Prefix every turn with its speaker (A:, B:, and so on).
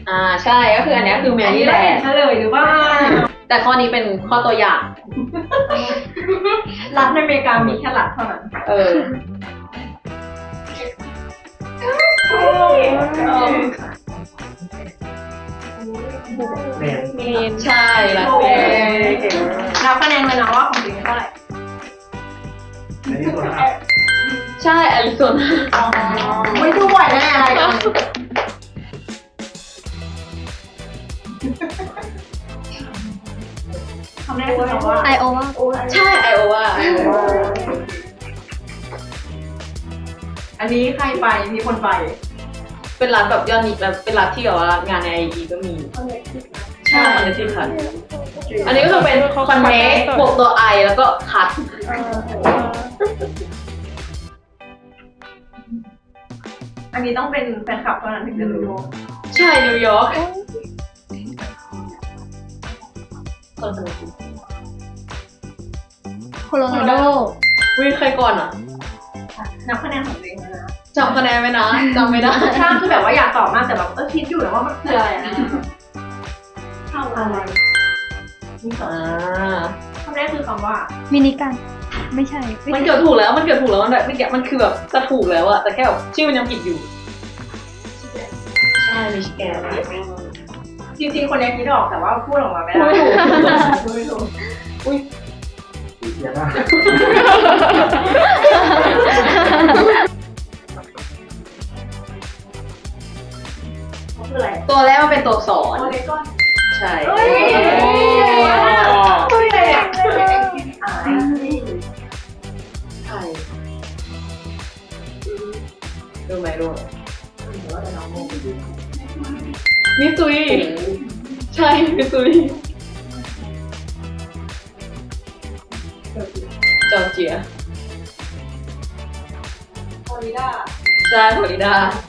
A: ใช่ก็คืออันนี้คือแมรี่แลนด์
B: เฉลยหรือว่า
A: แต่ข้อนี้เป็นข้อตัวอย่าง
B: รัฐในอเมริกามีแค่รัฐเท่านั้น
C: เมน
A: ใช่รัฐเมน
B: นับคะแนนเลยนะว่าของจริงเท่าไหร่
C: อันนี้ตัวนะ
A: ใช่แอริโซนา
B: ไม่ดูบ่อยแน่อะไรกันคำแรกคือคำว่า
D: ไอโอวา
A: ใช่ไอโอวา
B: อันนี้ใครไปมีคนไป
A: เป็นรัฐแบบยอดนิยมแบบเป็นรัฐที่แบบว่างานในไอทีก็มีใช่คอนเนติคัทอันนี้ก็คือเป็นคอนเนคบวกตัวไอแล้วก็คัท
B: อันนี้ต้องเป็นแฟนคลับเท่านั้นถึงจะรู้
A: ใช่นิวยอร์ก
D: โคโลราโด
A: วิใครก่อนอ่ะ
B: นับคะแนนของตัวเองนะ
A: จำคะแนนไหมนะจำไม่ได้
B: ใช่คือแบบว่าอยากตอบมากแต่แบบคิดอยู่นะว่ามันคืออะไรนะคำอะไรนี่สองคำแรกคือคำว่า
D: มินิกัน ไม่ใช่
A: มันเกือบถูกแล้วมันเกือบถูกแล้วมันแบบมันคือแบบจะถูกแล้วอะแต่แค่แบบชื่อมันยังผิดอยู่ใช่มิชิแกน
B: จริงๆคนนี้คิดออกแต่ว่าพูดออกมาไม่ได้พูดไม่ถูก
C: เดี๋ยวนะ
B: คืออะไร
A: ตัวแรกมันเป็นตัวสอน
B: โอเลกอน
A: ใช่
B: เฮ้ยตัวใหญ่อ่า
A: ใช่รู้ไหมรู้มิซุยใช่มิซุยจอร์เจีย
B: ฟลอริดา
A: ใช่ฟลอริดา